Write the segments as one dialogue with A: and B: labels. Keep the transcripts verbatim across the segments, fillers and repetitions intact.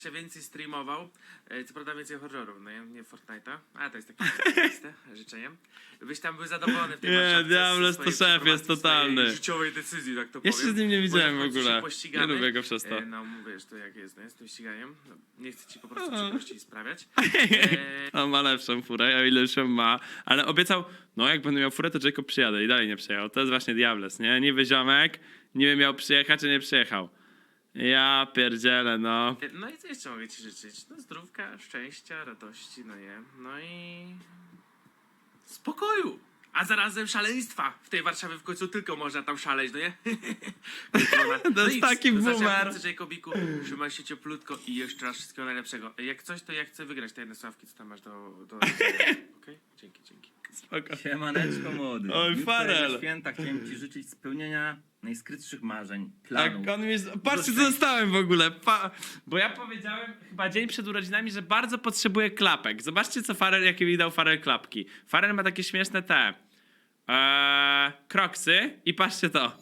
A: się więcej streamował, e, co prawda więcej horrorów, no nie, nie Fortnite'a, a to jest takie oczywiste życzenie. Byś tam był zadowolony w tej
B: Nie,
A: Warszawce
B: Diables
A: z
B: to
A: swojej
B: szef jest
A: przeprowadzki,
B: totalny.
A: swojej życiowej decyzji, tak to
B: Jeszcze
A: powiem.
B: z nim nie widziałem
A: Bo
B: w
A: się
B: ogóle.
A: pościgamy.
B: Nie lubię go przez to.
A: E, no mówisz, to jak jest, no jest tym ściganiem. No, nie chcę ci po prostu przykrości sprawiać. E,
B: On ma lepszą furę, o ile już ją ma. Ale obiecał, no jak będę miał furę, to Jacob przyjadę i dalej nie przyjechał. To jest właśnie Diables, nie? Niby ziomek, niby miał przyjechać, czy nie przyjechał. Ja pierdzielę, no.
A: no i co jeszcze mogę ci życzyć? No zdrówka, szczęścia, radości, no nie. No i spokoju. A zarazem szaleństwa. W tej Warszawie w końcu tylko można tam szaleć, no nie?
B: To jest taki boomer.
A: Jacobiku, trzymaj się cieplutko i jeszcze raz wszystkiego najlepszego. Jak coś, to ja chcę wygrać te jedne sławki, co tam masz do... do... Okej? Okay? Dzięki, dzięki.
B: Spoko.
C: Siemaneczko młody.
B: Oj,
C: Jutro
B: Farel.
C: na święta chciałem ci życzyć spełnienia najskrytszych marzeń,
B: Tak,
C: planów.
B: on mi... Patrzcie, co dostałem w ogóle. Pa... Bo ja powiedziałem chyba dzień przed urodzinami, że bardzo potrzebuję klapek. Zobaczcie, co Farel, jakie mi dał Farel klapki. Farel ma takie śmieszne te... Eee, kroksy i patrzcie to.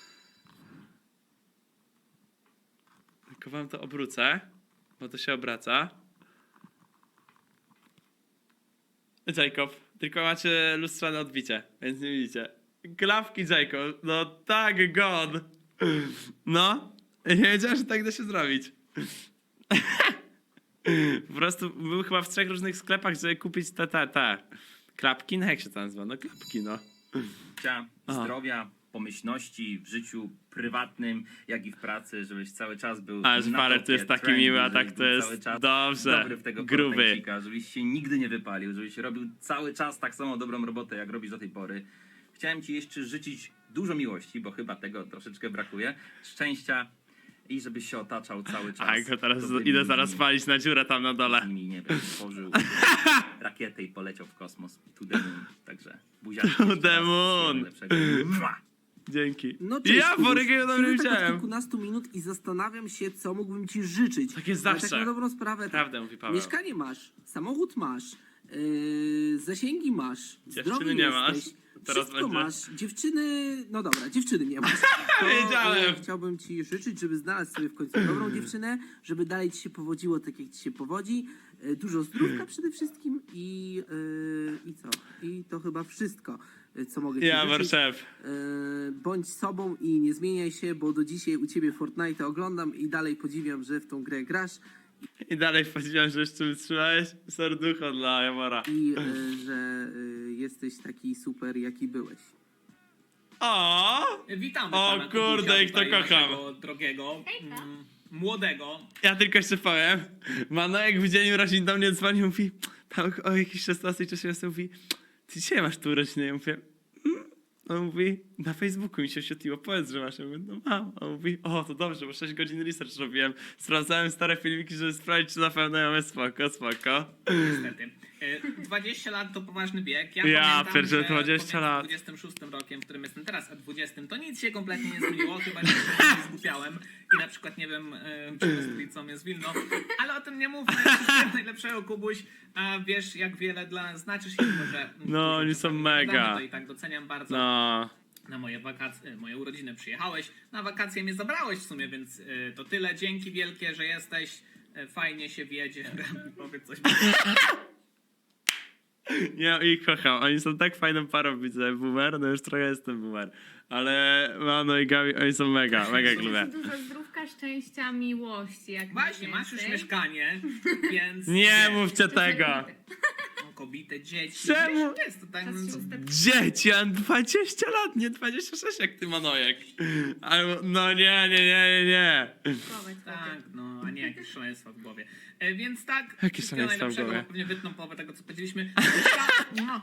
B: Tylko wam to obrócę, bo to się obraca. Jacob, tylko macie lustrzane odbicie, więc nie widzicie. Klapki Jacob, no tak god. No, nie wiedziałem, że tak da się zrobić. Po prostu był chyba w trzech różnych sklepach, żeby kupić te, te, te. Klapki, no jak się to nazywa? No klapki, no.
C: Życia,
B: Aha.
C: zdrowia, pomyślności w życiu prywatnym, jak i w pracy, żebyś cały czas był
B: A, że
C: na
B: Farel
C: topie
B: to jest taki
C: trendu,
B: miły, a
C: żebyś
B: tak to
C: był
B: jest
C: cały czas
B: dobrze,
C: dobry w tego
B: gruby.
C: Fortnite'cika, żebyś się nigdy nie wypalił, żebyś robił cały czas tak samo dobrą robotę, jak robisz do tej pory. Chciałem ci jeszcze życzyć dużo miłości, bo chyba tego troszeczkę brakuje, szczęścia i żebyś się otaczał cały czas.
B: A go teraz
C: dobrymi
B: idę zaraz
C: ludźmi.
B: palić na dziurę tam na dole.
C: Nimi, nie wiem, stworzył rakietę i poleciał w kosmos. To the moon. Także buziaczki.
B: To
C: jeszcze
B: the
C: raz.
B: moon.
C: Wszystkiego najlepszego. Mua!
B: Dzięki.
D: No cześć,
B: Ja
D: Kubuś.
B: Borygiego tam nie
D: Siedzę tak od
B: widziałem.
D: kilkunastu minut i zastanawiam się, co mógłbym ci życzyć.
B: Tak jest
D: Ale
B: zawsze.
D: Tak na dobrą sprawę.
B: Prawdę mówi Paweł.
D: Mieszkanie masz, samochód masz, yy, zasięgi masz,
B: Dziewczyny
D: zdrowy
B: nie
D: jesteś,
B: masz. Teraz
D: wszystko
B: będzie.
D: masz, dziewczyny, no dobra, dziewczyny nie masz. To,
B: Wiedziałem.
D: e, chciałbym ci życzyć, żeby znaleźć sobie w końcu dobrą dziewczynę, żeby dalej ci się powodziło tak, jak ci się powodzi. E, Dużo zdrówka przede wszystkim i, e, i co? I to chyba wszystko, e, co mogę ci
B: Ja,
D: życzyć.
B: Warszef.
D: E, bądź sobą i nie zmieniaj się, bo do dzisiaj u ciebie Fortnite oglądam i dalej podziwiam, że w tą grę grasz
B: I dalej powiedziałem, że jeszcze wytrzymałeś serducho dla Jamora.
D: i e, że e, jesteś taki super, jaki byłeś.
B: O!
E: Witamy
B: O
E: pana
B: kurde,
E: Kubusia,
B: ich to
E: tutaj
B: kocham.
E: naszego drogiego, mm, młodego.
B: Ja tylko jeszcze powiem. Manojek w dzień urodzin do mnie dzwonił, mówi, tam o jakiejś szesnastej czy siedemnastej mówi, ty dzisiaj masz tu urodziny? Ja mówię, mm. On mówi, na Facebooku mi się oświetliło, powiedz, że masz. Ja mówię, no mam. On mówi, o, to dobrze, bo sześć godzin research robiłem. Sprawdzałem stare filmiki, żeby sprawdzić, czy na pewno ja mówię, spoko, spoko.
E: Niestety. E, dwadzieścia lat to poważny wiek. Ja,
B: Ja
E: pamiętam,
B: pierdzielę,
E: że
B: dwadzieścia
E: pomiędzy
B: lat.
E: dwudziestym szóstym rokiem, w którym jestem teraz, a dwudziestym, to nic się kompletnie nie zmieniło, chyba że się zgubiałem i na przykład, nie wiem, e, co jest Wilno, ale o tym nie mówmy. Wszystkiego najlepszego, Kubuś. A wiesz, jak wiele dla nas znaczysz i mimo, że...
B: No, oni są
E: czasami
B: mega.
E: gadamy, to i tak doceniam bardzo.
B: No.
E: Na moje wakacje, moje urodziny przyjechałeś, na wakacje mnie zabrałeś w sumie, więc y, to tyle. Dzięki wielkie, że jesteś. Y, fajnie się wiedzie. Gabi, powiedz coś.
B: Ja ich kocham, oni są tak fajną parą, widzę, boomer, no już trochę jestem boomer. Ale Mano i Gabi, oni są mega, mega ich lubię.
F: Dużo zdrówka, szczęścia, miłości. Jak
E: Właśnie, masz już
F: najwięcej.
E: mieszkanie, więc...
B: Nie
E: wiesz,
B: mówcie tego!
E: są kobiety, dzieci.
B: Czemu?
E: Wiesz, jest to tak...
F: Czas się ustawić.
B: Dzieci, ja mam dwadzieścia lat, nie dwadzieścia sześć jak ty, Manojek. Ale, no nie, nie, nie, nie, nie.
F: Chować,
E: Tak, no, a nie jakieś szaleństwa w głowie. E, więc tak,
B: Jakie
E: wszystkiego
B: szaleństwa w
E: najlepszego,
B: głowie?
E: bo pewnie wytną połowę tego, co powiedzieliśmy. No.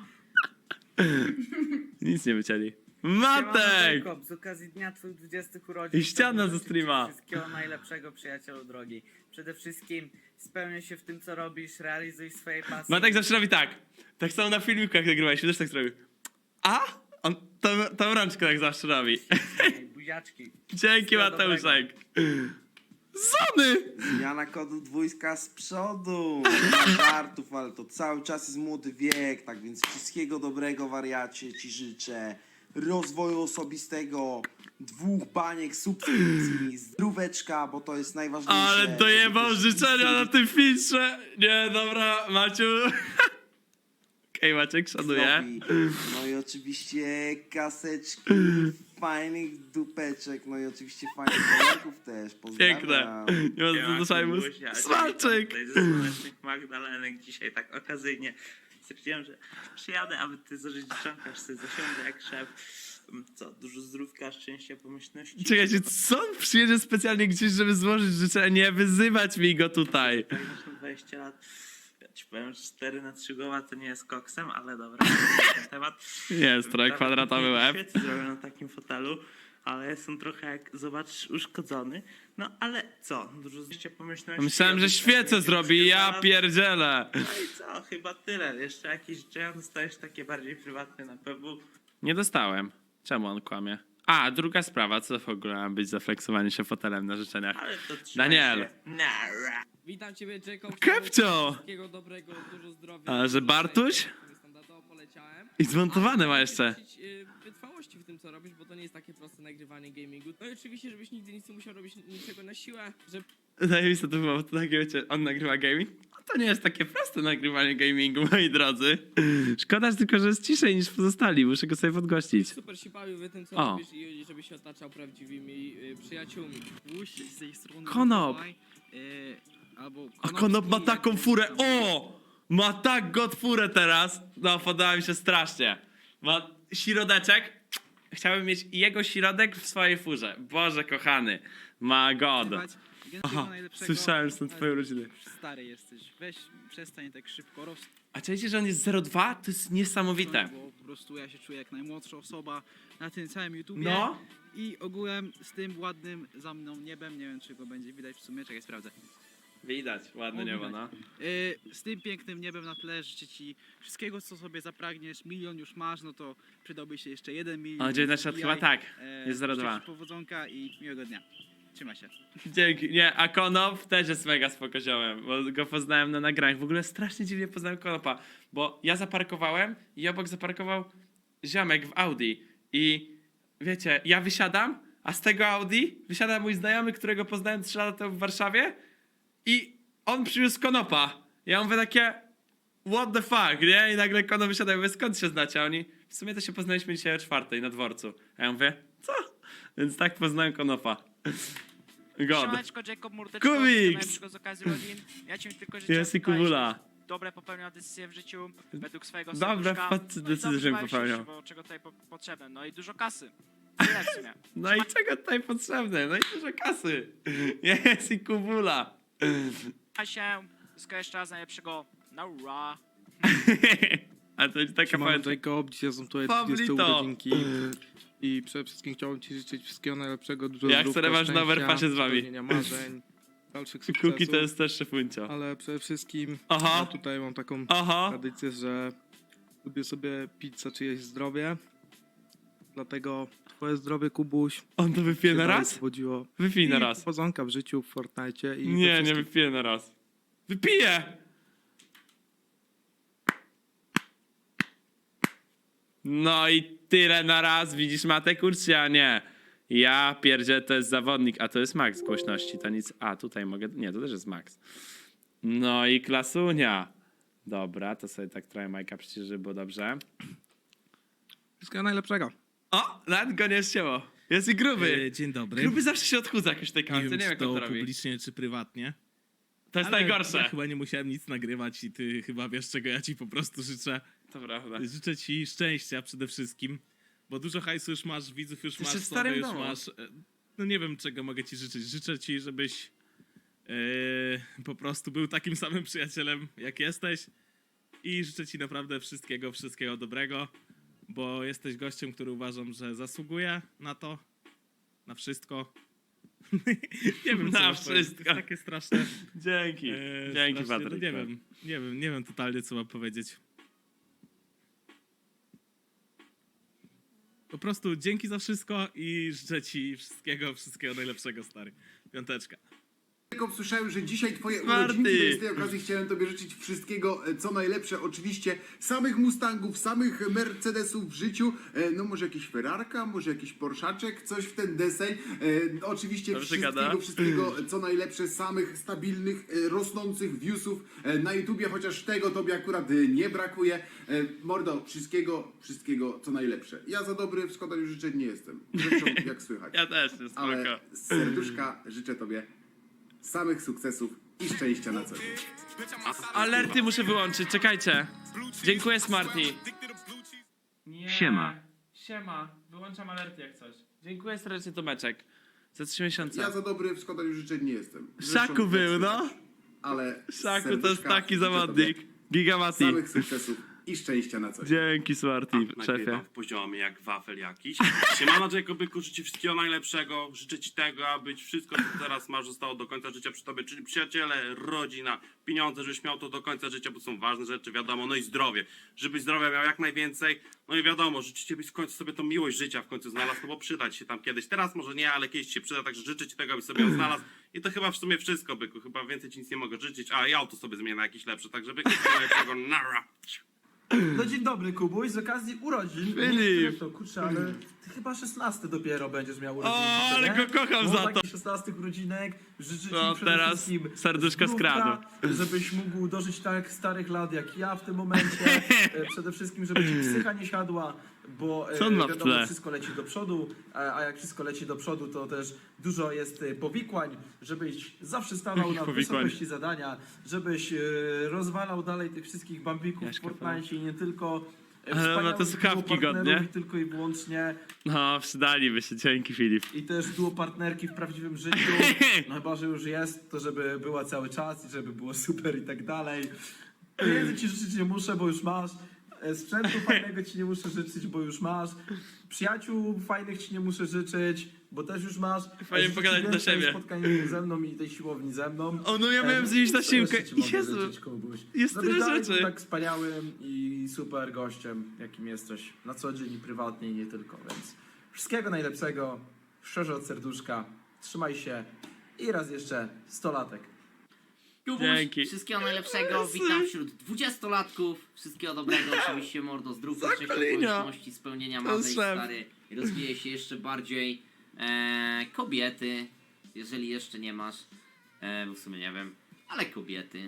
B: Nic nie wycięli.
G: Siemano,
B: Matek!
G: Jacob, z okazji dnia twoich dwudziestych urodzin
B: I ściana
G: chciałbym
B: ze
G: życzyć
B: streama.
G: ci Wszystkiego najlepszego, przyjacielu drogi. Przede wszystkim spełniaj się w tym, co robisz, realizuj swoje pasje.
B: Matek zawsze robi tak. Tak samo na filmikach nagrywaliśmy, też tak zrobił. A? On tą, tą rączkę tak zawsze robi.
G: Buziaczki.
B: Dzięki,
G: Wszystkiego
B: Mateuszek. Zony!
H: Zmiana kodu dwójka z przodu. Nie ma żartów, ale to cały czas jest młody wiek, tak więc wszystkiego dobrego, wariacie, ci życzę. Rozwoju osobistego, dwóch baniek subskrypcji, zdróweczka, bo to jest najważniejsze.
B: Ale dojebał
H: żeby też
B: życzenia na tym filtrze. Nie, dobra, Maciu. Okej, Maciek, szanuję.
H: widzowi. No i oczywiście kaseczki, fajnych dupeczek, no i oczywiście fajnych kolegów też. Pozdrawiam.
B: Piękne. Nie ma co do szajmu. Smalczyk.
I: Tutaj ze słonecznych Magdalenek dzisiaj tak okazyjnie stwierdziłem, że przyjadę, aby ty zażyć dziewczanka, aż sobie zasiądę jak szef. Co, dużo zdrówka, szczęścia, pomyślności.
B: Czekajcie, co on przyjedzie specjalnie gdzieś, żeby złożyć życzenia? Nie wyzywać mi go tutaj.
I: Tak, masz na dwadzieścia lat. Ja ci powiem, że cztery na trzy głowa to nie jest koksem, ale dobra, to ten temat.
B: Jest, trochę kwadratowy łeb.
I: Świetnie zrobię na takim fotelu, ale jestem trochę, jak zobaczysz, uszkodzony. No ale co, dużo zdjęcia pomyślności.
B: Myślałem, że świecę zrobi, ja pierdzielę.
I: No i co, chyba tyle. Jeszcze jakieś życzenia dostajesz takie bardziej prywatne na pewno.
B: Nie dostałem. Czemu on kłamie? A, druga sprawa, co w ogóle ma być zafleksowanie się fotelem na życzeniach?
I: Ale to trzymaj
B: Daniel.
I: się. Nara.
J: Witam ciebie, Jacob.
B: Kepcio!
J: Wszystkiego dobrego, dużo zdrowia.
B: A, że Bartuś?
J: Standardowo poleciałem.
B: I zmontowane ma
J: Ale
B: jeszcze.
J: chciałem ci życzyć, y, wytrwałości w tym, co robisz, bo to nie jest takie proste nagrywanie gamingu. No i oczywiście, żebyś nigdy nic nie musiał robić niczego na siłę, żeby
B: Zajebiste to było, to takie wiecie, on nagrywa gaming? No to nie jest takie proste nagrywanie gamingu, moi drodzy. Szkoda tylko, że jest ciszej niż pozostali, muszę go sobie podgościć.
J: super się bawił w tym, co
B: O.
J: robisz i żebyś się otaczał prawdziwymi y, przyjaciółmi.
K: Puść z tej strony.
B: Konop.
K: Mikołaj, y, albo
B: A Konop ma taką furę, o! Ma tak god furę teraz. No, podoba mi się strasznie. Ma środeczek. Chciałbym mieć jego środek w swojej furze. Boże kochany. Ma god. Aha, słyszałem, że są twoje urodziny.
K: Stary jesteś, weź przestań tak szybko rosnąć,
B: A czujecie, że on jest zero dwa? To jest niesamowite.
K: bo po prostu ja się czuję jak najmłodsza osoba na tym całym YouTubie.
B: No.
K: I ogółem z tym ładnym za mną niebem, nie wiem czy go będzie widać w sumie, czekaj sprawdzę.
B: Widać, ładne
K: O,
B: niebo,
K: widać.
B: no.
K: Y, z tym pięknym niebem na tle życzę ci wszystkiego co sobie zapragniesz, milion już masz, no to przydałby się jeszcze jeden milion.
B: O, dziewiętnaście lat chyba tak.
K: E,
B: Jest zero
K: życzę
B: dwa.
K: ci powodzonka i miłego dnia. Trzymaj się.
B: Dzięki. Nie, a Konop też jest mega spokoziomem, bo go poznałem na nagraniach. W ogóle strasznie dziwnie poznałem Konopa, bo ja zaparkowałem i obok zaparkował ziomek w Audi. I wiecie, ja wysiadam, a z tego Audi wysiada mój znajomy, którego poznałem trzy lata temu w Warszawie i on przywiózł Konopa. Ja mówię takie, what the fuck, nie? I nagle Konop wysiada i mówię, skąd się znacie? A oni, w sumie to się poznaliśmy dzisiaj o czwartej na dworcu. A ja mówię, co? Więc tak poznałem Konopa. God.
L: Siemaneczko, Jacob Murdeczko,
B: Kubiks!
L: najlepszego z okazji urodzin. Ja ci tylko życzę,
B: Jest i
L: tutaj,
B: Kubula.
L: żebyś dobre popełniał decyzje w życiu, według swojego
B: Dobre
L: serduszka.
B: wpad-
L: No i
B: decyzje,
L: dobrze
B: żebym
L: bawisz się
B: popełniał.
L: w życiu, bo czego tutaj po potrzebne. No i dużo kasy. Tyle w sumie.
B: No i czego tutaj potrzebne? No i dużo kasy. Jest i Kubula.
L: Trzymaj się, wszystko jeszcze raz najlepszego. Naura.
B: A to jest taka
M: Siemano,
B: pamięć.
M: Jacob, dzisiaj są tutaj
B: Pablito.
M: trzydzieste urodzinki i przede wszystkim chciałbym ci życzyć wszystkiego najlepszego, dużo
B: Jak
M: zdrówka,
B: sobie masz na
M: szczęścia,
B: overpassie z wami.
M: spełnienia marzeń, dalszych
B: Kuki
M: sukcesów,
B: to jest też szefuncio.
M: ale przede wszystkim
B: Aha.
M: ja tutaj mam taką
B: Aha.
M: tradycję, że lubię sobie pić za czyjeś zdrowie, dlatego twoje zdrowie, Kubuś,
B: On to wypije
M: się
B: na
M: dalej
B: raz?
M: powodziło.
B: Wypij na
M: I
B: raz.
M: powodzonka w życiu, w Fortnite i we
B: Nie, nie
M: wszystkim.
B: wypiję na raz. Wypiję! No i tyle na raz, widzisz Matek, kurczę, a nie. Ja pierdzie, to jest zawodnik, a to jest max głośności, to nic. A, tutaj mogę, nie, to też jest max. No i klasunia. Dobra, to sobie tak trochę Majka przyciszę, żeby było dobrze.
M: Wszystkiego najlepszego.
B: O, nawet go nie ścięło. Jest i gruby.
N: E, Dzień dobry.
B: Gruby zawsze się odchudza jakoś w tej
N: Nie
B: kamerce,
N: wiem,
B: nie wiem
N: czy
B: jak on
N: to
B: to robi.
N: publicznie, czy prywatnie.
B: To jest
N: ale
B: najgorsze.
N: Ja chyba nie musiałem nic nagrywać i ty chyba wiesz, czego ja ci po prostu życzę.
B: To prawda.
N: Życzę ci szczęścia przede wszystkim, bo dużo hajsu już masz, widzów już
B: Ty
N: masz,
B: się w
N: sobie
B: starym
N: już
B: domu.
N: masz. E, No nie wiem, czego mogę ci życzyć. Życzę ci, żebyś e, po prostu był takim samym przyjacielem, jak jesteś i życzę ci naprawdę wszystkiego, wszystkiego dobrego, bo jesteś gościem, który uważam, że zasługuje na to, na wszystko. nie wiem, co
B: Na
N: mam powiedzieć. To
B: wszystko.
N: jest takie straszne.
B: Dzięki.
N: E,
B: Dzięki,
N: strasznie, no
B: Patryk.
N: nie wiem, nie wiem, nie wiem totalnie, co mam powiedzieć. Po prostu dzięki za wszystko i życzę ci wszystkiego, wszystkiego najlepszego, stary. Piąteczka.
O: Jakob, słyszałem, że dzisiaj twoje
B: Smarty.
O: urodzinki, więc z tej okazji chciałem tobie życzyć wszystkiego, e, co najlepsze. Oczywiście samych Mustangów, samych Mercedesów w życiu. E, No może jakiś Ferrarka, może jakiś Porszaczek, coś w ten deseń. E, Oczywiście
B: Dobrze
O: wszystkiego,
B: gada.
O: wszystkiego, co najlepsze, samych stabilnych, e, rosnących viewsów e, na YouTubie, chociaż tego tobie akurat e, nie brakuje. E, Mordo, wszystkiego, wszystkiego, co najlepsze. Ja za dobry w składaniu życzeń nie jestem. Zresztą, jak słychać.
B: Ja też, jest spoko.
O: Ale z serduszka życzę tobie samych sukcesów i szczęścia na co dzień.
B: Alerty muszę wyłączyć, czekajcie. Dziękuję, Smarty. Nie.
C: Siema.
B: Siema. Wyłączam alerty jak coś. Dziękuję serdecznie, Tomeczek. Za trzy miesiące.
O: Ja za dobry w składaniu życzeń nie jestem. Zresztą,
B: Szaku był,
O: jak
B: no.
O: słychać. Ale z
B: Szaku to jest
O: serduszka
B: taki
O: życzę
B: zawodnik.
O: tobie
B: Gigamati.
O: samych sukcesów i szczęścia na co dzień.
B: Dzięki, Smarty, szefie.
P: Nagrywam w poziomie jak wafel jakiś. Siemano, Jacobyku, życzę ci wszystkiego najlepszego. Życzę ci tego, aby wszystko, co teraz masz, zostało do końca życia przy tobie, czyli przyjaciele, rodzina, pieniądze, żebyś miał to do końca życia, bo są ważne rzeczy, wiadomo, no i zdrowie. Żebyś zdrowia miał jak najwięcej. No i wiadomo, życzę ci, byś w końcu sobie tą miłość życia w końcu znalazł, no bo przyda ci się tam kiedyś. Teraz może nie, ale kiedyś ci się przyda, także życzę ci tego, abyś sobie ją znalazł. I to chyba w sumie wszystko, byku. Chyba więcej ci nic nie mogę życzyć. A, i auto sobie zmienię na jakieś lepsze, także byku, tego nara.
Q: No dzień dobry, Kubuś, z okazji urodzin.
B: Filip.
Q: Nie wiem, to kurczę, ale ty chyba szesnaste dopiero będziesz miał urodziny.
B: O,
Q: co
B: ale
Q: nie?
B: go kocham
Q: No,
B: za to.
Q: takich szesnastych urodzinek życzę ci
B: No,
Q: przede
B: teraz
Q: wszystkim
B: serduszko
Q: zdrówka,
B: skradł.
Q: żebyś mógł dożyć tak starych lat jak ja w tym momencie. E, Przede wszystkim, żeby ci psycha nie siadła, bo e,
B: Co on ma w
Q: wiadomo,
B: tle?
Q: wszystko leci do przodu, a, a jak wszystko leci do przodu, to też dużo jest e, powikłań, żebyś zawsze stawał
B: Jakich
Q: na
B: powikłań?
Q: wysokości zadania, żebyś e, rozwalał dalej tych wszystkich bambików w Fortnite i nie tylko. e,
B: Ale ma te
Q: wspaniałych
B: słuchawki
Q: duopartnerów
B: godnie.
Q: i tylko i wyłącznie.
B: No, przydaliby się, dzięki, Filip.
Q: I też duo partnerki w prawdziwym życiu. No chyba, że już jest, to żeby była cały czas i żeby było super i tak dalej. Pieniędzy ci życzyć nie muszę, bo już masz. E, Sprzętu fajnego ci nie muszę życzyć, bo już masz. Przyjaciół fajnych ci nie muszę życzyć, bo też już masz.
B: Fajnie
Q: Życzę
B: pogadać
Q: ci
B: do
Q: więcej
B: siebie.
Q: spotkań ze mną i tej siłowni ze mną.
B: O, no ja
Q: E,
B: miałem z nimś na
Q: co
B: siłkę.
Q: jeszcze ci mogę
B: Jezu,
Q: życzyć, Kubuś?
B: jest
Q: Żebyś
B: tyle
Q: dalej
B: rzeczy.
Q: był tak wspaniałym i super gościem, jakim jesteś na co dzień i prywatnie i nie tylko, więc wszystkiego najlepszego, szczerze od serduszka, trzymaj się i raz jeszcze sto latek.
B: Dzięki.
R: Wszystkiego najlepszego, witam wśród dwudziestolatków. Wszystkiego dobrego, oczywiście mordo, zdrówka, szczęścia,
B: Zakolinio.
R: okoliczności, spełnienia
B: To jest
R: marzeń,
B: szef.
R: stary. Rozwije się jeszcze bardziej. E, kobiety, jeżeli jeszcze nie masz, e, bo w sumie nie wiem, ale kobiety.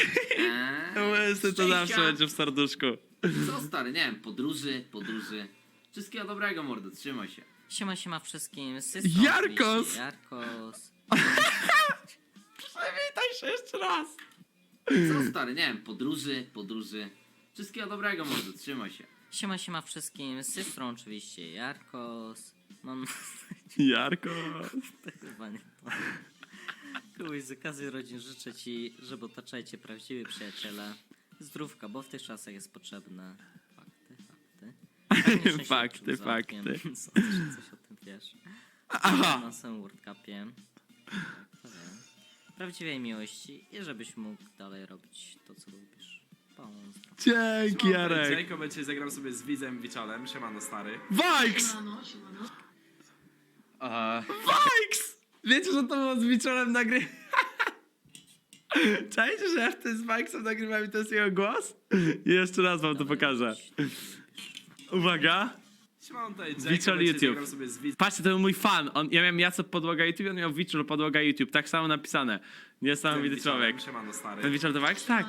R: E,
B: Łysy to zawsze
R: szczęścia.
B: będzie w serduszku.
R: Co stary, nie wiem, podróży, podróży. Wszystkiego dobrego mordo, trzymaj się.
S: Siema, siema wszystkim.
B: Jarkos!
S: Jarkos.
B: Przywitaj się jeszcze raz.
R: Co stary, nie wiem, podróży, podróży. Wszystkiego dobrego mordo, trzymaj się.
S: Siema, siema wszystkim. Z tej strony oczywiście Jarkos. Mam...
B: Jarko.
S: To chyba nie to. Kubuś, z okazji rodzin życzę ci, żeby otaczajcie prawdziwi przyjaciele. Zdrówka, bo w tych czasach jest potrzebne. Fakty, fakty.
B: Fakty, fakty.
S: Sądzę, że coś o tym wiesz.
B: Aha.
S: Na samym World Cupie. Kto wie. Prawdziwej miłości i żebyś mógł dalej robić to, co lubisz. Pozdro.
B: Dzięki, Jarek.
T: Jacob, dzisiaj zagram sobie z Widzem Wiczolem. Siemano, stary.
B: Vikes! Vikes! Wiecie, że to było z Wieczorem nagry... Czajcie, że ja wtedy z Vikesem nagrywam i to jest jego głos? I jeszcze raz wam to pokażę. Uwaga.
T: Siemano, tutaj Jacob,
B: Wieczor
T: dzisiaj
B: YouTube.
T: zagram sobie z Widzem.
B: Patrzcie, to był mój fan. On, ja miałem Jacop podłoga YouTube, on miał Wieczor podłoga YouTube. Tak samo napisane. Niesamowity człowiek.
T: Siemano, stary.
B: Ten Wieczor to Vikes? Tak.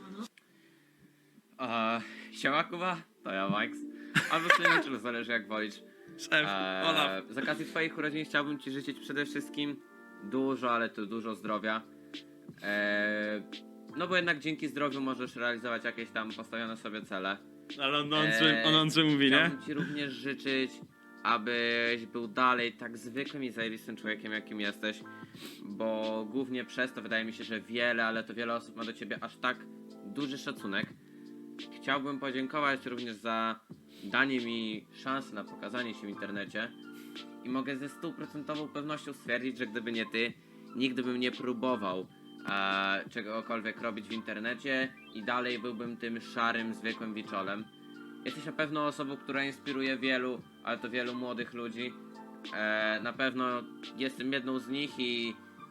U: Eee, siema Kuba, to ja Max. Albo przynajmniej zależy jak wolisz.
B: Szef, Olaf.
U: Z okazji twoich urodzin chciałbym ci życzyć przede wszystkim dużo, ale to dużo zdrowia. Eee, no bo jednak dzięki zdrowiu możesz realizować jakieś tam postawione sobie cele.
B: Ale on mądrze, on mądrze mówi, nie?
U: Chciałbym ci również życzyć, abyś był dalej tak zwykłym i zajebistym człowiekiem, jakim jesteś. Bo głównie przez to wydaje mi się, że wiele, ale to wiele osób ma do ciebie aż tak duży szacunek. Chciałbym podziękować również za danie mi szansy na pokazanie się w internecie i mogę ze stuprocentową pewnością stwierdzić, że gdyby nie ty, nigdy bym nie próbował e, czegokolwiek robić w internecie i dalej byłbym tym szarym, zwykłym wiczolem. Jesteś na pewno osobą, która inspiruje wielu, ale to wielu młodych ludzi. E, na pewno jestem jedną z nich i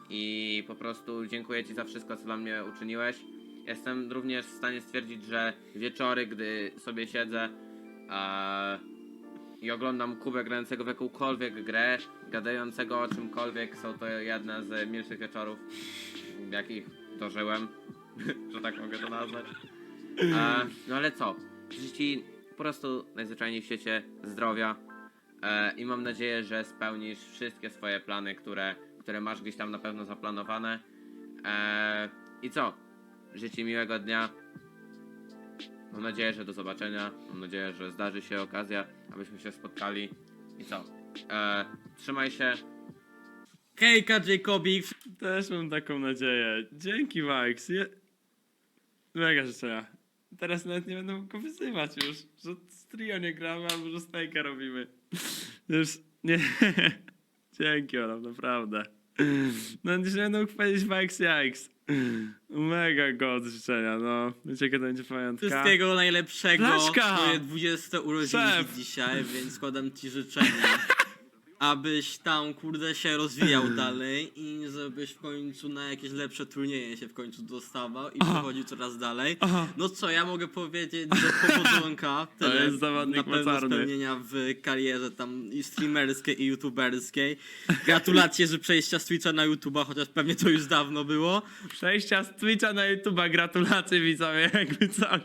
U: i po prostu dziękuję Ci za wszystko, co dla mnie uczyniłeś. Jestem również w stanie stwierdzić, że wieczory, gdy sobie siedzę e, i oglądam Kubę grającego w jakąkolwiek grę, gadającego o czymkolwiek, są to jedne z milszych wieczorów, w jakich dożyłem, że tak mogę to nazwać. E, no ale co? Życzę Ci po prostu najzwyczajniej w świecie zdrowia e, i mam nadzieję, że spełnisz wszystkie swoje plany, które, które masz gdzieś tam na pewno zaplanowane. E, I co? Życzę Ci miłego dnia. Mam nadzieję, że do zobaczenia. Mam nadzieję, że zdarzy się okazja, abyśmy się spotkali. I co? E, trzymaj się.
B: Hejka, Jacobik. Też mam taką nadzieję. Dzięki, Max. Je... Mega życzenia. Teraz nawet nie będę mógł wyzywać już, że z trio nie gramy, albo że Snake'a robimy. Już nie... Dzięki, Olaf, naprawdę. No nie będę mógł powiedzieć Max Jikes. Mega god życzenia, no. Wiecie, jaka to będzie pamiątka?
J: Wszystkiego najlepszego.
B: Blaszka!
J: Twoje dwudzieste urodziny
B: Szef!
J: dzisiaj, więc składam ci życzenia. Abyś tam, kurde, się rozwijał dalej i żebyś w końcu na jakieś lepsze turnieje się w końcu dostawał i przechodził coraz dalej.
B: Aha.
J: No co, ja mogę powiedzieć, że powodzonka
B: To
J: tyle
B: jest zawodnik
J: na pewno
B: mocarny.
J: spełnienia w karierze tam i streamerskiej i youtuberskiej. Gratulacje, że przejścia z Twitcha na YouTube'a, chociaż pewnie to już dawno było.
B: Przejścia z Twitcha na YouTube'a, gratulacje widzowie, jakby coś.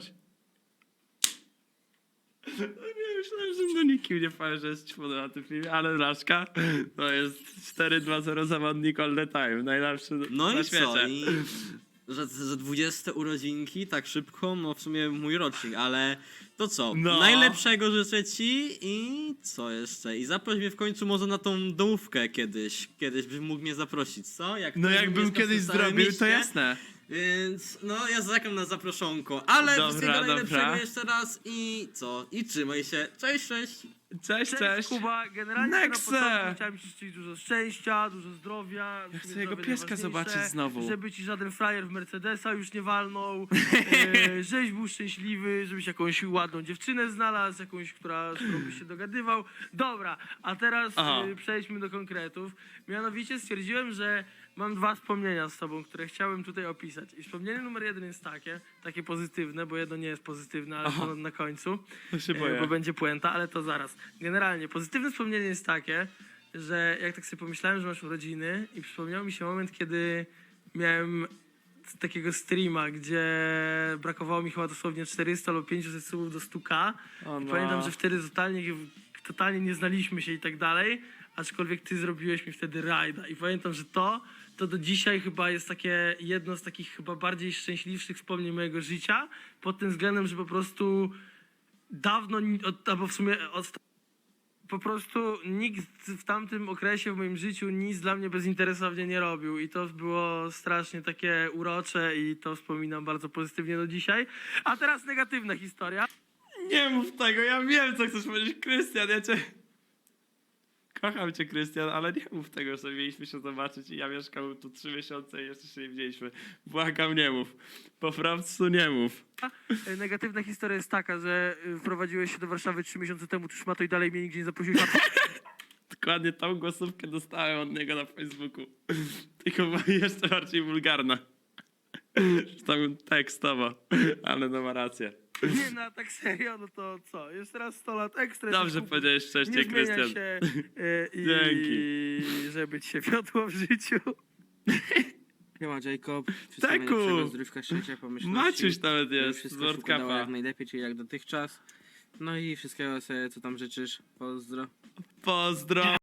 B: No nie, myślałem, że no nikim nie powiem, że jest ćwony na tym filmie, ale Blaszka to jest cztery dwa zero zawodnik all the time, najlepszy
J: No
B: na
J: i
B: świecie.
J: co? I że, że dwudzieste urodzinki tak szybko, no w sumie mój rocznik, ale to co?
B: No.
J: Najlepszego życzę ci i co jeszcze? I zaproś mnie w końcu może na tą domówkę kiedyś. Kiedyś byś mógł mnie zaprosić, co? Jak
B: No
J: ktoś
B: jakbym
J: mieszka w
B: kiedyś
J: tym samym
B: zrobił, to
J: mieście,
B: jasne.
J: Więc no ja zaczekam na zaproszonko, ale
B: Dobra,
J: wszystkiego najlepszego
B: dobra.
J: jeszcze raz i co? I trzymaj się. Cześć, cześć.
B: Cześć, cześć.
A: Kuba, generalnie
B: Nexe!
A: na początku chciałem ci życzyć dużo szczęścia, dużo zdrowia.
B: Ja
A: w
B: chcę
A: sumie
B: jego
A: zdrowie
B: pieska
A: najważniejsze,
B: zobaczyć znowu.
A: Żeby ci żaden frajer w Mercedesa już nie walnął, e, żebyś był szczęśliwy, żebyś jakąś ładną dziewczynę znalazł, jakąś, która, z którą byś się dogadywał. Dobra, a teraz
B: Aha.
A: e, przejdźmy do konkretów. Mianowicie stwierdziłem, że mam dwa wspomnienia z tobą, które chciałem tutaj opisać. I wspomnienie numer jeden jest takie, takie pozytywne, bo jedno nie jest pozytywne, ale
B: Aha.
A: to na końcu,
B: To się
A: e,
B: boję.
A: bo będzie puenta, ale to zaraz. Generalnie pozytywne wspomnienie jest takie, że jak tak sobie pomyślałem, że masz urodziny i przypomniał mi się moment, kiedy miałem takiego streama, gdzie brakowało mi chyba dosłownie czterysta lub pięćset subów do stu ka.
B: O
A: I
B: no.
A: pamiętam, że wtedy totalnie, totalnie nie znaliśmy się i tak dalej, aczkolwiek ty zrobiłeś mi wtedy rajda. I pamiętam, że to, to do dzisiaj chyba jest takie jedno z takich chyba bardziej szczęśliwszych wspomnień mojego życia, pod tym względem, że po prostu dawno, ni- od, albo w sumie od, po prostu nikt w tamtym okresie w moim życiu nic dla mnie bezinteresownie nie robił i to było strasznie takie urocze i to wspominam bardzo pozytywnie do dzisiaj. A teraz negatywna historia.
B: Nie mów tego, ja wiem, co chcesz powiedzieć, Krystian, ja cię... Kocham cię, Krystian, ale nie mów tego, że mieliśmy się zobaczyć i ja mieszkam tu trzy miesiące i jeszcze się nie widzieliśmy. Błagam, nie mów. Po prostu nie mów.
A: E, Negatywna historia jest taka, że y, wprowadziłeś się do Warszawy trzy miesiące temu, tu szmato i dalej mnie nigdzie nie zaprosiłeś na
B: Dokładnie tą głosówkę dostałem od niego na Facebooku. Tylko była jeszcze bardziej wulgarna. Tam tekstowo, ale no ma rację.
A: Nie, no tak serio, no to co? Jeszcze raz sto lat ekstra.
B: Dobrze
A: jesteś kup-
B: powiedziałeś wcześniej,
A: Nie zmienia
B: Krystian.
A: się e, i
B: Dzięki.
A: żeby ci się wiodło w życiu.
K: Siema Jacob, wszystkiego
B: Taku!
K: najlepszego, zdrówka, szczęścia, pomyślności.
B: Maciuś nawet
K: żeby
B: jest, z
K: Wszystko się
B: World
K: układało
B: Cupa.
K: jak najlepiej, czyli jak dotychczas. No i wszystkiego sobie, co tam życzysz. Pozdro.
B: Pozdro.